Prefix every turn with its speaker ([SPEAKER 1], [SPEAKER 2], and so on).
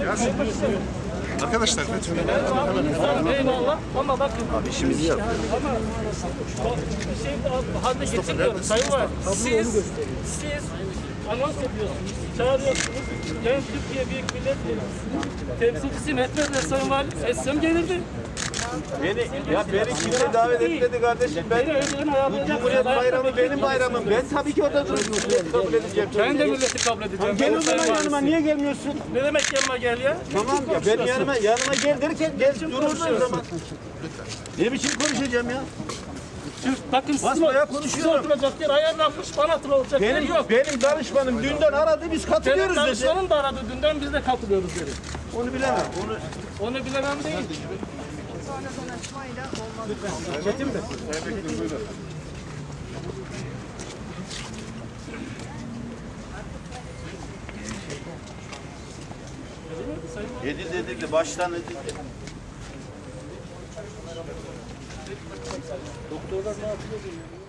[SPEAKER 1] Arkadaşlar lütfen.
[SPEAKER 2] Eyvallah ama bakın.
[SPEAKER 1] Abi işimizi yap.
[SPEAKER 2] Ama bir şey haline getirmiyorum. Sayın var. Siz anons ediyorsunuz, çağırıyorsunuz. Yani Türkiye Büyük Millet Meclisi temsilcisi Mehmet Sayın Valim etsem gelirdi.
[SPEAKER 3] Beni kimse davet etmedi kardeşim. Bu Cumhuriyet Bayramı benim bayramım. Ben tabii ki orada milleti kabul edeceğim.
[SPEAKER 2] Ben de milleti kabul edeceğim.
[SPEAKER 3] Gel o zaman yanıma, niye gelmiyorsun?
[SPEAKER 2] Ne demek yanıma gel ya?
[SPEAKER 3] Tamam ya, ben yanıma gel derken gel durursun o zaman. Ne biçim konuşacağım ya?
[SPEAKER 2] Bakın
[SPEAKER 3] Basmaya
[SPEAKER 2] siz
[SPEAKER 3] konuşuyorum.
[SPEAKER 2] oturacak yer ayarlanmış, bana oturacak yer yok.
[SPEAKER 3] Benim danışmanım dünden aradı, biz
[SPEAKER 2] Benim
[SPEAKER 3] katılıyoruz dedi.
[SPEAKER 2] danışmanım da aradı dünden, biz de katılıyoruz dedi.
[SPEAKER 3] Onu bilemem.
[SPEAKER 2] Onu bilemem değil.
[SPEAKER 4] Sonradan açmayla olmaz.
[SPEAKER 3] Edildi, baştan edildi.
[SPEAKER 2] Doktorlar ne yapıyor?